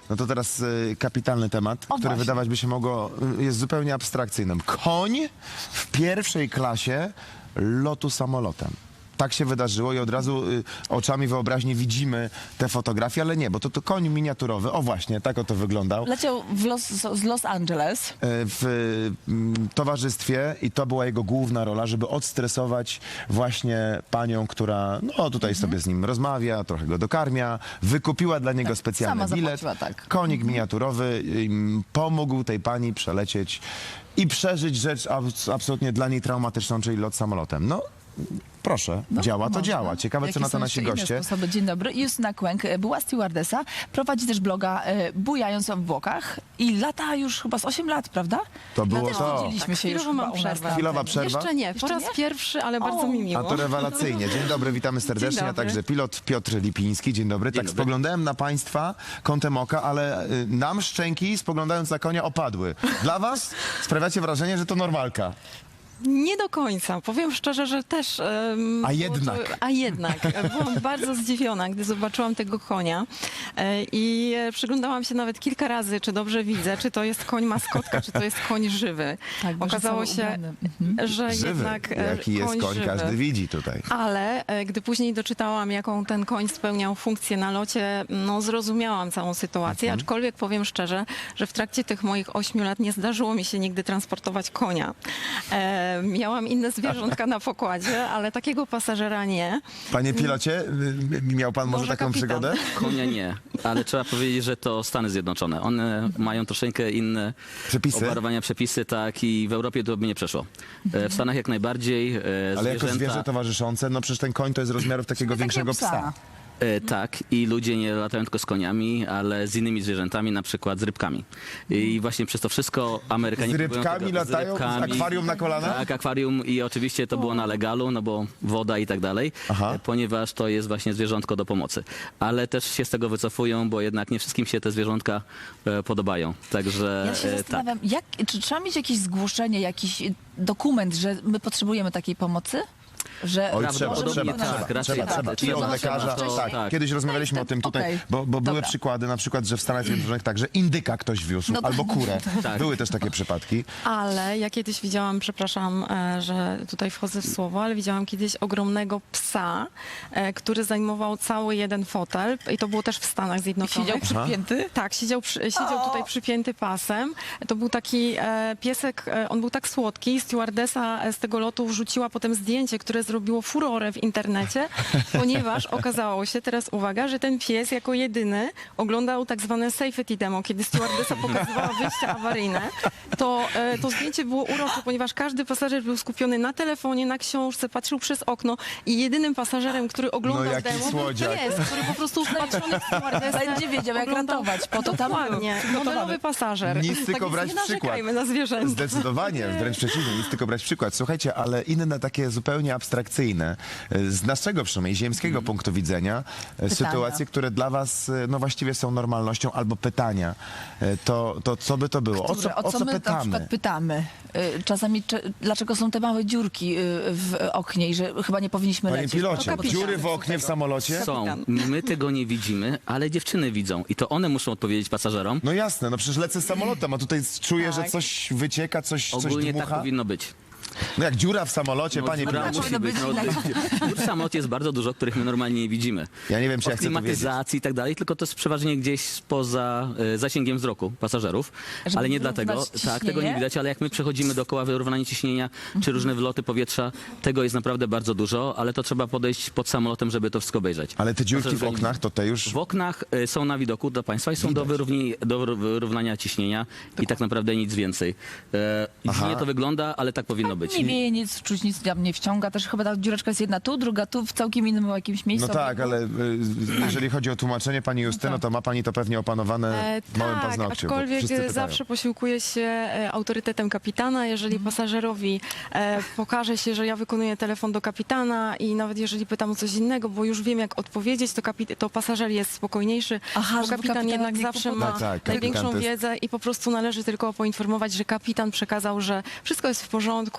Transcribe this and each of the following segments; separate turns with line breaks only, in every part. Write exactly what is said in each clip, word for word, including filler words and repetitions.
No to teraz y, kapitalny temat,
O,
który
właśnie.
wydawać by się mogło, y, jest zupełnie abstrakcyjnym. Koń w pierwszej klasie lotu samolotem. Tak się wydarzyło i od razu y, oczami wyobraźni widzimy te fotografie, ale nie, bo to, to koń miniaturowy. O właśnie, tak oto wyglądał.
Leciał w Los, z Los Angeles.
Y, w y, towarzystwie i to była jego główna rola, żeby odstresować właśnie panią, która no tutaj sobie z nim rozmawia, trochę go dokarmia, wykupiła dla niego specjalny
sama
bilet.
zapłaciła, tak.
Konik miniaturowy ym, pomógł tej pani przelecieć i przeżyć rzecz abs absolutnie dla niej traumatyczną, czyli lot samolotem. No, proszę,
No,
działa to
można.
działa. Ciekawe, co
Jakie
na to
są
nasi
jeszcze inne
goście.
sposoby? Dzień dobry. Justyna Kłęk, e, była stewardesa, prowadzi też bloga e, Bujając w obłokach i lata już chyba z osiem lat, prawda?
To było
Też
to.
widzieliśmy się już
chwilowo
chyba
mam
u nas
przerwę.
na
Chwilowa
antenie.
przerwa?
Jeszcze nie, po
Jeszcze
raz
nie?
pierwszy, ale bardzo
O.
mi miło.
A to rewelacyjnie. Dzień dobry, witamy serdecznie,
Dzień
a
dobry.
także pilot Piotr Lipiński. Dzień dobry. tak
dobry.
spoglądałem na państwa kątem oka, ale y, nam szczęki spoglądając na konia opadły. Dla was sprawiacie wrażenie, że to normalka.
Nie do końca. Powiem szczerze, że też... em,
A
było
jednak.
To, a jednak. Byłam bardzo zdziwiona, gdy zobaczyłam tego konia e, i e, przyglądałam się nawet kilka razy, czy dobrze widzę, czy to jest koń maskotka, czy to jest koń żywy.
Tak, bo że
Okazało
cały
się,
ubrany. Mhm.
że
Żywy.
jednak e,
Jaki jest
koń
koń,
żywy.
każdy widzi tutaj.
Ale e, gdy później doczytałam, jaką ten koń spełniał funkcję na locie, no zrozumiałam całą sytuację,
Mhm.
aczkolwiek powiem szczerze, że w trakcie tych moich ośmiu lat nie zdarzyło mi się nigdy transportować konia. E, miałam inne zwierzątka na pokładzie, ale takiego pasażera nie.
Panie pilocie, y, miał pan może,
Może
taką
kapitan.
przygodę?
Konia nie, ale trzeba powiedzieć, że to Stany Zjednoczone. One mają troszeczkę inne
Przepisy?
obarowania, przepisy, tak, i w Europie to by nie przeszło. E, W Stanach jak najbardziej e,
Ale jako
zwierzęta-
zwierzę towarzyszące, no przecież ten koń to jest rozmiarów takiego
Takiego
większego
psa.
psa.
E, tak, i ludzie nie latają tylko z koniami, ale z innymi zwierzętami, na przykład z rybkami. I właśnie przez to wszystko Amerykanie...
Z
próbują
rybkami
tego-
latają? Z akwarium na kolanach?
Tak, akwarium i oczywiście to było na legalu, no bo woda i tak dalej,
Aha.
e, ponieważ to jest właśnie zwierzątko do pomocy. Ale też się z tego wycofują, bo jednak nie wszystkim się te zwierzątka e, podobają. Także
Ja się
e, tak.
zastanawiam, jak, czy trzeba mieć jakieś zgłoszenie, jakiś dokument, że my potrzebujemy takiej pomocy? Że
Oj,
Prawdopodobnie
trzeba, trzeba,
tak,
trzeba,
raczej
trzeba,
tak.
trzeba.
Trzeba,
I od
trzeba,
lekarza,
to-
tak.
tak.
Kiedyś rozmawialiśmy o tym tutaj,
Okej.
bo, bo były
Dobra.
przykłady, na przykład, że w Stanach Zjednoczonych także indyka ktoś wiózł,
No to-
albo kurę.
Tak.
Były też takie przypadki.
Ale ja kiedyś widziałam, przepraszam, e, że tutaj wchodzę w słowo, ale widziałam kiedyś ogromnego psa, e, który zajmował cały jeden fotel i to było też w Stanach Zjednoczonych.
siedział przypięty?
Tak, siedział, przy, siedział
O!
tutaj przypięty pasem. To był taki e, piesek, e, on był tak słodki. Stewardesa e, z tego lotu wrzuciła potem zdjęcie, które zrobiło furorę w internecie, ponieważ okazało się, teraz uwaga, że ten pies jako jedyny oglądał tak zwane safety demo, kiedy stewardesa pokazywała wyjście awaryjne. To, e, to zdjęcie było urocze, ponieważ każdy pasażer był skupiony na telefonie, na książce, patrzył przez okno i jedynym pasażerem, który oglądał
No, jaki
demo,
słodziak.
był pies, który po prostu wpatrzony w stewardesę
Będzie wiedział, jak
oglądał-
ratować. Po to tam
Dokładnie,
przygotowany.
modelowy pasażer.
Nic tylko
tak
brać
więc nie
przykład.
narzekajmy na zwierzęta.
Zdecydowanie, wręcz przeciwnie, nic tylko brać przykład. Słuchajcie, ale inne takie zupełnie abstrakcyjne, e, z naszego przynajmniej ziemskiego punktu widzenia, e, sytuacje, które dla was e, no właściwie są normalnością, albo pytania, e, to, to co by to było? O
Które-
co, o co
my na
pytamy?
przykład pytamy? Y, Czasami, czy, dlaczego są te małe dziurki y, w oknie i że chyba nie powinniśmy
Panie
lecieć?
pilocie,
To kapitan.
dziury w oknie w samolocie?
Są. My tego nie widzimy, ale dziewczyny widzą i to one muszą odpowiedzieć pasażerom.
No jasne, no przecież lecę samolotem, a tutaj czuję, że
Tak.
coś wycieka, coś, coś
Ogólnie tak
dmucha.
powinno być.
No jak dziura w samolocie, panie
dziura
pilocie.
musi
powinno
być.
być
No,
inaczej.
dziur w samolocie jest bardzo dużo, których my normalnie nie widzimy.
Ja nie wiem, czy ja
Od
chcę to wiedzieć.
klimatyzacji i tak dalej, tylko to jest przeważnie gdzieś spoza e, zasięgiem wzroku pasażerów,
Żeby
ale nie
wyrównać
dlatego, tak, tego nie
ciśnienie?
widać, ale jak my przechodzimy dookoła wyrównanie ciśnienia, czy różne wloty powietrza, tego jest naprawdę bardzo dużo, ale to trzeba podejść pod samolotem, żeby to wszystko obejrzeć.
Ale te dziurki w
Pasażerowie-
oknach, to te już...
W oknach e, są na widoku dla państwa i są do, wyrówni, do wyró- wyrównania ciśnienia i tak naprawdę nic więcej. E,
Aha.
dziwnie to wygląda, ale tak powinno być.
Nie wieje nic, czuć nic tam nie wciąga. Też chyba ta dziureczka jest jedna tu, druga tu, w całkiem innym jakimś miejscu.
No tak, ale y, jeżeli chodzi o tłumaczenie pani Justyno, to ma pani to pewnie opanowane
E,
w małym
tak,
paznokciu. bo
aczkolwiek
wszyscy pytają.
zawsze posiłkuję się e, autorytetem kapitana. Jeżeli pasażerowi e, pokaże się, że ja wykonuję telefon do kapitana i nawet jeżeli pytam o coś innego, bo już wiem jak odpowiedzieć, to, kapit- to pasażer jest spokojniejszy,
Aha,
bo
żeby
kapitan
kapitan
jednak
nie
zawsze
kłopował.
ma
Tak, tak, kapitan
największą
to jest-
wiedzę i po prostu należy tylko poinformować, że kapitan przekazał, że wszystko jest w porządku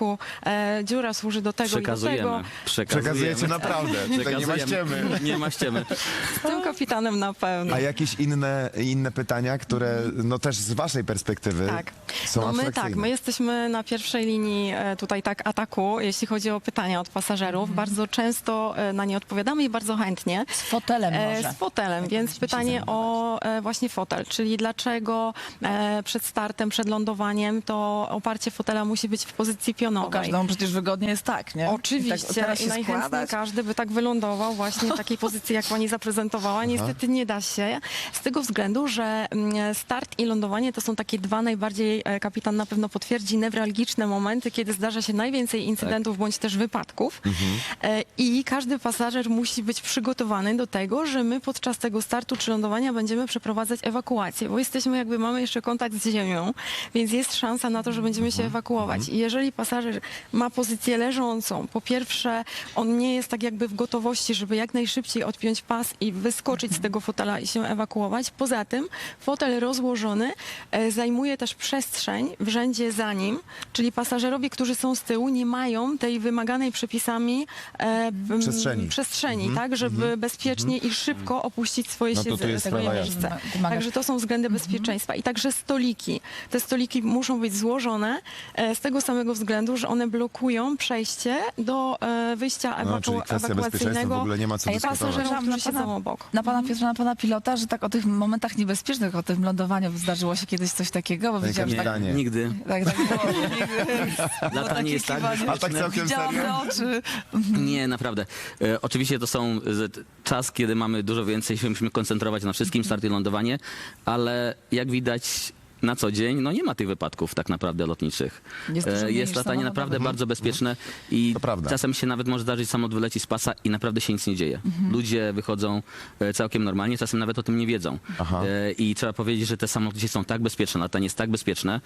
prostu e, dziura służy do tego i do
Przekazujemy.
tego.
Przekazujecie naprawdę, tutaj nie ma ściemy.
Nie ma ściemy.
Z tym kapitanem na pewno.
A jakieś inne, inne pytania, które no też z waszej perspektywy
Tak.
są
No my
abstrakcyjne?
tak, my jesteśmy na pierwszej linii e, tutaj tak ataku, jeśli chodzi o pytania od pasażerów. Bardzo często e, na nie odpowiadamy i bardzo chętnie.
Z fotelem może.
E, Z fotelem, więc
się
pytanie o e, właśnie fotel, czyli dlaczego e, przed startem, przed lądowaniem to oparcie fotela musi być w pozycji
Bo
pionowej.
każdemu przecież wygodnie jest tak, nie?
Oczywiście,
I, tak, teraz
i
się
najchętniej
składać.
każdy by tak wylądował właśnie w takiej pozycji, jak pani zaprezentowała. Niestety nie da się, z tego względu, że mm, start i lądowanie to są takie dwa najbardziej, e, kapitan na pewno potwierdzi, newralgiczne momenty, kiedy zdarza się najwięcej incydentów bądź też wypadków. E, I każdy pasażer musi być przygotowany do tego, że my podczas tego startu czy lądowania będziemy przeprowadzać ewakuację, bo jesteśmy jakby, mamy jeszcze kontakt z ziemią, więc jest szansa na to, że będziemy się ewakuować. I jeżeli pasażer ma pozycję leżącą, po pierwsze, on nie jest tak jakby w gotowości, żeby jak najszybciej odpiąć pas i wyskoczyć z tego fotela i się ewakuować. Poza tym fotel rozłożony e, zajmuje też przestrzeń w rzędzie za nim, czyli pasażerowie, którzy są z tyłu, nie mają tej wymaganej przepisami e, m,
Przestrzeni.
przestrzeni tak, żeby bezpiecznie i szybko opuścić swoje
No to tu
siedzenie,
jest
swoje
sprawa
miejsce.
jasna. Wymaga-
Także to są względy bezpieczeństwa. I także stoliki. Te stoliki muszą być złożone e, z tego samego względu, że one blokują przejście do e, wyjścia
No,
ewaku-
czyli kwestia bezpieczeństwa w
ewakuacyjnego
ogóle nie ma co
A ja
dyskutować.
pasażerom,
Na
którzy siedzą
pana-
obok.
Na pana Piotra, na pana pilota, że tak o tych momentach niebezpiecznych, o tym lądowaniu zdarzyło się kiedyś coś takiego, bo
Panie
widziałam, że tak,
kapitanie.
Nigdy.
tak, tak było. Nigdy.
Latanie jest tak
kiwanie.
A tak całkiem
Widziałam
serio?
te oczy.
Nie, naprawdę. E, oczywiście to są e, czas, kiedy mamy dużo więcej, się musimy koncentrować na wszystkim, start i lądowanie, ale jak widać na co dzień, no nie ma tych wypadków tak naprawdę lotniczych.
Jest dużo
E,
mniej
jest
niż
latanie
samochodowe.
naprawdę bardzo bezpieczne i
To prawda.
czasem się nawet może zdarzyć, samolot wyleci z pasa i naprawdę się nic nie dzieje. Ludzie wychodzą e, całkiem normalnie, czasem nawet o tym nie wiedzą.
Aha.
E, I trzeba powiedzieć, że te samoloty są tak bezpieczne, latanie jest tak bezpieczne,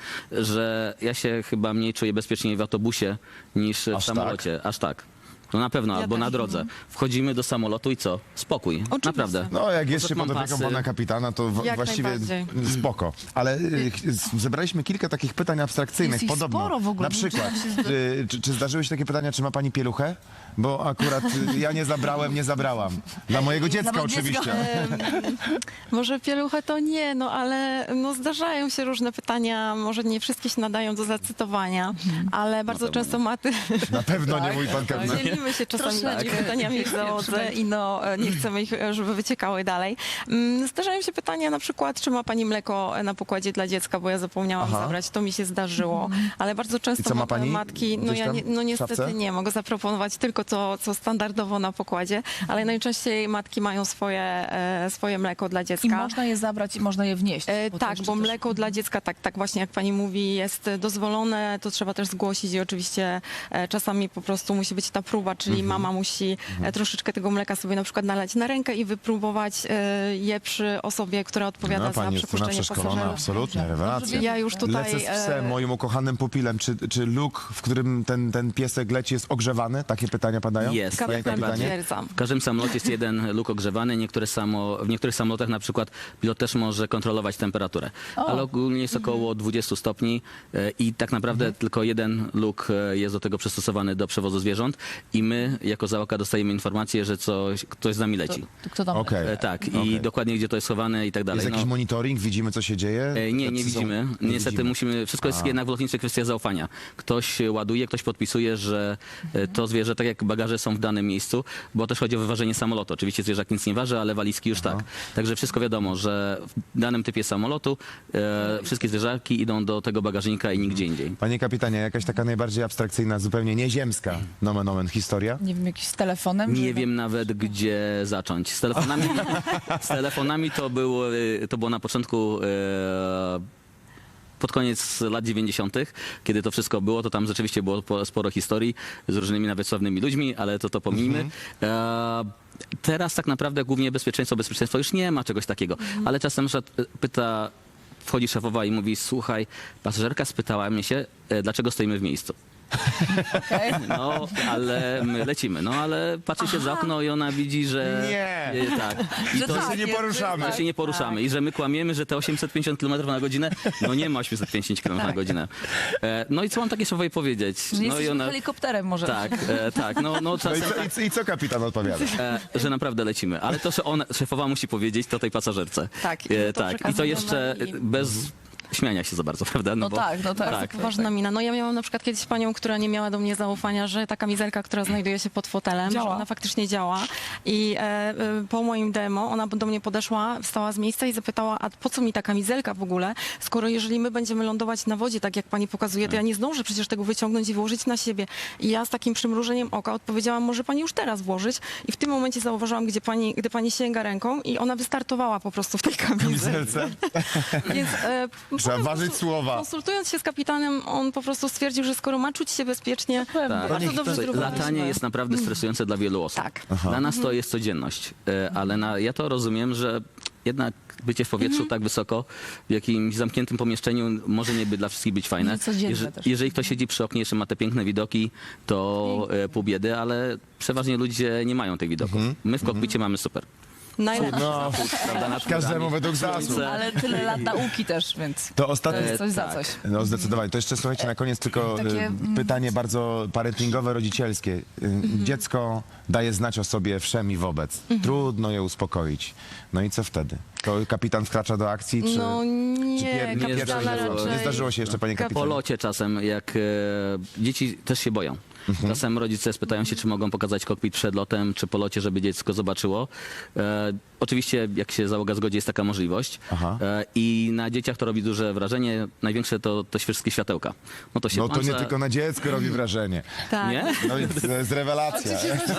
że ja się chyba mniej czuję bezpieczniej w autobusie niż w
Aż tak?
samolocie. Aż tak. No na pewno,
Ja
albo
też.
na drodze. Wchodzimy do samolotu i co? Spokój.
Oczywiście.
Naprawdę.
No, jak jest
Poza
się
tym
pod
mam
opieką
pasy.
pana kapitana, to w-
Jak
właściwie
najbardziej.
spoko. Ale y, ch- zebraliśmy kilka takich pytań abstrakcyjnych.
Jest ich
Podobno.
sporo w ogóle.
Na przykład, czy, czy, czy zdarzyły się takie pytania, czy ma pani pieluchę? Bo akurat y, ja nie zabrałem, nie zabrałam. Dla mojego dziecka
mojego dziecka.
oczywiście.
Może pieluchę to nie, no ale no, zdarzają się różne pytania, może nie wszystkie się nadają do zacytowania, ale bardzo często maty...
Na pewno nie mój pan
Tak,
kapitan.
dzielimy się czasami
Troszeczkę.
tymi pytaniami w załodze
Przynajmniej.
i no, e, nie chcemy ich, e, żeby wyciekały dalej. Mm, Zdarzają się pytania na przykład, czy ma pani mleko na pokładzie dla dziecka, bo ja zapomniałam
Aha.
zabrać, to mi się zdarzyło, ale bardzo często
I co, ma pani
matki, no
gdzieś
ja
tam
nie, no
w
niestety
szafce?
nie, mogę zaproponować tylko to, co standardowo na pokładzie, ale najczęściej matki mają swoje, e, swoje mleko dla dziecka.
I można je zabrać i można je wnieść.
E,
to
tak,
jeszcze
bo
też-
mleko dla dziecka, tak, tak właśnie jak pani mówi, jest dozwolone, to trzeba też zgłosić i oczywiście e, czasami po prostu musi być ta próba, czyli
Mhm.
mama musi e, troszeczkę tego mleka sobie na przykład nalać na rękę i wypróbować e, je przy osobie, która odpowiada
No,
za
pani jest tu na
przepuszczenie
przeszkolona,
pasażerów.
absolutnie, rewelacja.
Ja już tutaj...
Lecę z psem,
e,
moim ukochanym pupilem. Czy, czy luk, w którym ten, ten piesek leci, jest ogrzewany? Takie pytania padają?
Jest.
Panie
Kapitan
kapitanie?
potwierdzam.
W każdym samolocie jest jeden luk ogrzewany. Niektóre samo, w niektórych samolotach na przykład pilot też może kontrolować temperaturę.
O.
Ale ogólnie jest około dwudziestu stopni e, i tak naprawdę tylko jeden luk e, jest do tego przystosowany do przewozu zwierząt i my jako załoga dostajemy informację, że coś, ktoś z nami leci.
To kto tam?
Okej.
E, tak, i
Okej.
dokładnie gdzie to jest schowane i tak dalej.
Jest jakiś
No,
monitoring? Widzimy, co się dzieje?
E, Nie, nie
Tacy są-
widzimy.
nie
Niestety
widzimy.
musimy, wszystko jest
A.
jednak w lotniczej kwestia zaufania. Ktoś ładuje, ktoś podpisuje, że e, to zwierzę, tak jak bagaże są w danym miejscu, bo też chodzi o wyważenie samolotu. Oczywiście zwierzak nic nie waży, ale walizki już tak. Także wszystko wiadomo, że w danym typie samolotu e, wszystkie zwierzaki idą do tego bagażnika i nigdzie indziej.
Panie kapitanie, jakaś taka najbardziej abstrakcyjna, zupełnie nieziemska, nomen omen, historia?
Nie wiem, jakiś z telefonem?
Nie
żeby-
wiem nawet, gdzie zacząć. Z telefonami, z telefonami to, było, e, to było na początku e, pod koniec lat dziewięćdziesiątych, kiedy to wszystko było, to tam rzeczywiście było po- sporo historii z różnymi nawet sławnymi ludźmi, ale to to pomijmy. E, teraz tak naprawdę głównie bezpieczeństwo, bezpieczeństwo już nie ma czegoś takiego, ale czasem że pyta, wchodzi szefowa i mówi, słuchaj, pasażerka spytała mnie się, e, dlaczego stoimy w miejscu.
Okej.
No, ale my lecimy. No, ale patrzy się za okno i ona widzi, że...
Nie.
E, tak. I
Że
to
tak,
się nie
jest,
poruszamy.
że
tak,
się nie poruszamy i że my kłamiemy, że te osiemset pięćdziesiąt kilometrów na godzinę, no nie ma osiemset pięćdziesiąt kilometrów na godzinę. E, no i co mam takie słowo jej powiedzieć?
Że
No i
jesteśmy
ona...
helikopterem może.
Tak, e, tak, no, no
No i
czasem
co,
tak,
i, co- i co kapitan odpowiada?
e, że naprawdę lecimy. Ale to, że ona, szefowa musi powiedzieć, to tej pasażerce.
Tak, i
E,
to
tak. I to
przekazujemy
jeszcze
i-
bez śmiania się za bardzo, prawda?
No
bo,
tak, no tak.
tak.
Ważna mina. No ja miałam na przykład kiedyś panią, która nie miała do mnie zaufania, że ta kamizelka, która znajduje się pod fotelem,
Działa.
że ona faktycznie działa. I e, e, po moim demo ona do mnie podeszła, wstała z miejsca i zapytała, a po co mi ta kamizelka w ogóle, skoro jeżeli my będziemy lądować na wodzie, tak jak pani pokazuje, to ja nie zdążę przecież tego wyciągnąć i włożyć na siebie. I ja z takim przymrużeniem oka odpowiedziałam, może pani już teraz włożyć. I w tym momencie zauważyłam, gdzie pani, gdy pani sięga ręką i ona wystartowała po prostu w tej kamizelce.
Kamizelce?
Więc e,
Trzeba
po
ważyć
prostu
słowa.
Konsultując się z kapitanem, on po prostu stwierdził, że skoro ma czuć się bezpiecznie,
Pewnie.
Tak.
bardzo
niech
dobrze
to-
zdrowiliśmy.
Latanie jest naprawdę stresujące dla wielu osób.
Tak.
Dla nas to jest codzienność, e, ale na, ja to rozumiem, że jednak bycie w powietrzu tak wysoko, w jakimś zamkniętym pomieszczeniu może nie być dla wszystkich być fajne.
Nie codzienne
Jeże-
też.
jeżeli ktoś siedzi przy oknie, jeszcze ma te piękne widoki, to e, pół biedy, ale przeważnie ludzie nie mają tych widoków. My w kokpicie mamy super.
Najlepsze.
No,
Prawda, nad
każdemu
chmurami,
według zasług.
słońce.
Ale tyle lat nauki też, więc
To
to
ostatnie...
jest coś za
tak.
coś.
No zdecydowanie. To jeszcze słuchajcie, na koniec tylko
Takie,
e,
mm,
pytanie bardzo parentingowe, rodzicielskie. E, Dziecko daje znać o sobie wszem i wobec. Trudno je uspokoić. No i co wtedy? To kapitan wkracza do akcji, czy...
No
czy
nie,
pier-
nie
pierwszy
kapitana
nie,
raczej.
nie zdarzyło się jeszcze, panie
Kap-
Po
kapitanie?
locie czasem, jak e, dzieci też się boją. Czasem rodzice spytają się, czy mogą pokazać kokpit przed lotem, czy po locie, żeby dziecko zobaczyło. E, oczywiście, jak się załoga zgodzi, jest taka możliwość.
Aha.
E, I na dzieciach to robi duże wrażenie. Największe to, to wszystkie światełka. No to się
No to nie
włącza-
tylko na dziecko robi wrażenie.
Tak.
Nie?
No i to jest rewelacja.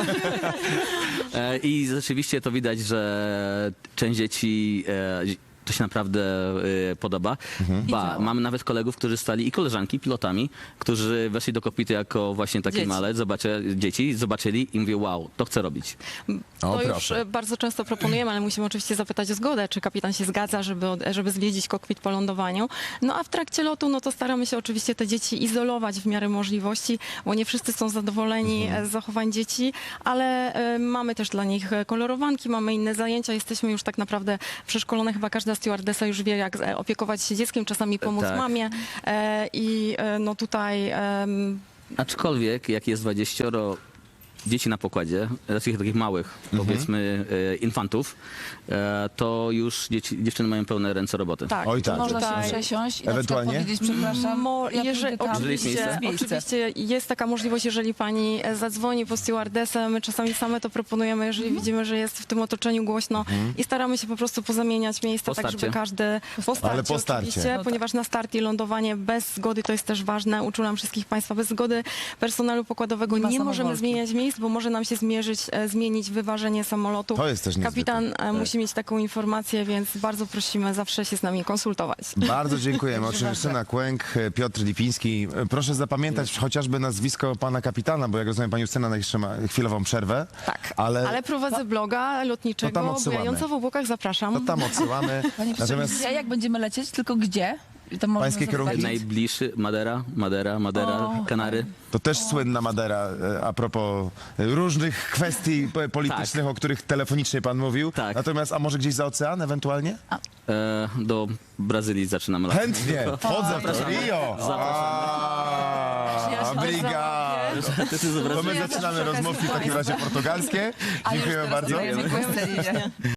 E, I rzeczywiście to widać, że część dzieci e, to się naprawdę e, podoba. Ba,
działa.
mamy nawet kolegów, którzy stali i koleżanki pilotami, którzy weszli do kokpitu jako właśnie taki
Dzieci.
malec, zobaczy, dzieci, zobaczyli i mówią, wow, to chcę robić.
O,
To już
proszę.
e, bardzo często proponujemy, ale musimy oczywiście zapytać o zgodę, czy kapitan się zgadza, żeby, od- żeby zwiedzić kokpit po lądowaniu. No a w trakcie lotu, no to staramy się oczywiście te dzieci izolować w miarę możliwości, bo nie wszyscy są zadowoleni e, z zachowań dzieci, ale e, mamy też dla nich e, kolorowanki, mamy inne zajęcia, jesteśmy już tak naprawdę przeszkolone, chyba każda stewardessa już wie, jak e, opiekować się dzieckiem, czasami pomóc
Tak.
mamie e, i e, no tutaj em,
Aczkolwiek, jak jest dwudziestoro dzieci na pokładzie, takich takich małych, powiedzmy, e, infantów, e, to już dzieci, dziewczyny mają pełne ręce roboty.
tak.
Oj, tak.
Można
Tutaj-
się przesiąść i
Ewentualnie?
na przykład powiedzieć, przepraszam,
Mo,
ja
jeżeli,
pójdę tam,
Jeżeli jest
oczywiście,
miejsce.
oczywiście jest taka możliwość, jeżeli pani e, zadzwoni po stewardessę, my czasami same to proponujemy, jeżeli
Mhm.
widzimy, że jest w tym otoczeniu głośno i staramy się po prostu pozamieniać miejsca,
Po
tak żeby
starcie.
każdy po starcie,
Ale po starcie.
oczywiście,
No tak.
ponieważ na start i lądowanie bez zgody to jest też ważne. Uczulam wszystkich państwa, bez zgody personelu pokładowego
Nie ma
nie możemy
samowolki.
zmieniać miejsc, bo może nam się zmierzyć, e, zmienić wyważenie samolotu.
To jest też niezwykłe.
Kapitan e, musi mieć taką informację, więc bardzo prosimy zawsze się z nami konsultować.
Bardzo dziękujemy. Oczywiście Justyna Kłęk, Piotr Lipiński. Proszę zapamiętać chociażby nazwisko pana kapitana, bo jak rozumiem, pani Justyna jeszcze ma chwilową przerwę.
Tak,
Ale,
ale prowadzę bloga
To tam
lotniczego,
odsyłamy.
bujająco w obłokach, zapraszam.
to tam odsyłamy.
Panie profesorze,
Natomiast
gdzie, jak będziemy lecieć, tylko gdzie? I to można
Pańskie
zobaczyć.
kierunki?
Najbliższy, Madera, Madera, Madera,
O.
Kanary.
to też słynna Madera e, a propos e, różnych kwestii p- politycznych, o których telefonicznie pan mówił.
Tak.
Natomiast, a może gdzieś za ocean ewentualnie?
E, do Brazylii zaczynamy latać.
Chętnie, wchodzę w to. Rio! A, Obrigado.
To jest z
To
Brazylii.
my zaczynamy rozmówki w takim razie portugalskie.
A już
Dziękujemy
teraz
bardzo.
dajemy głos Celinie.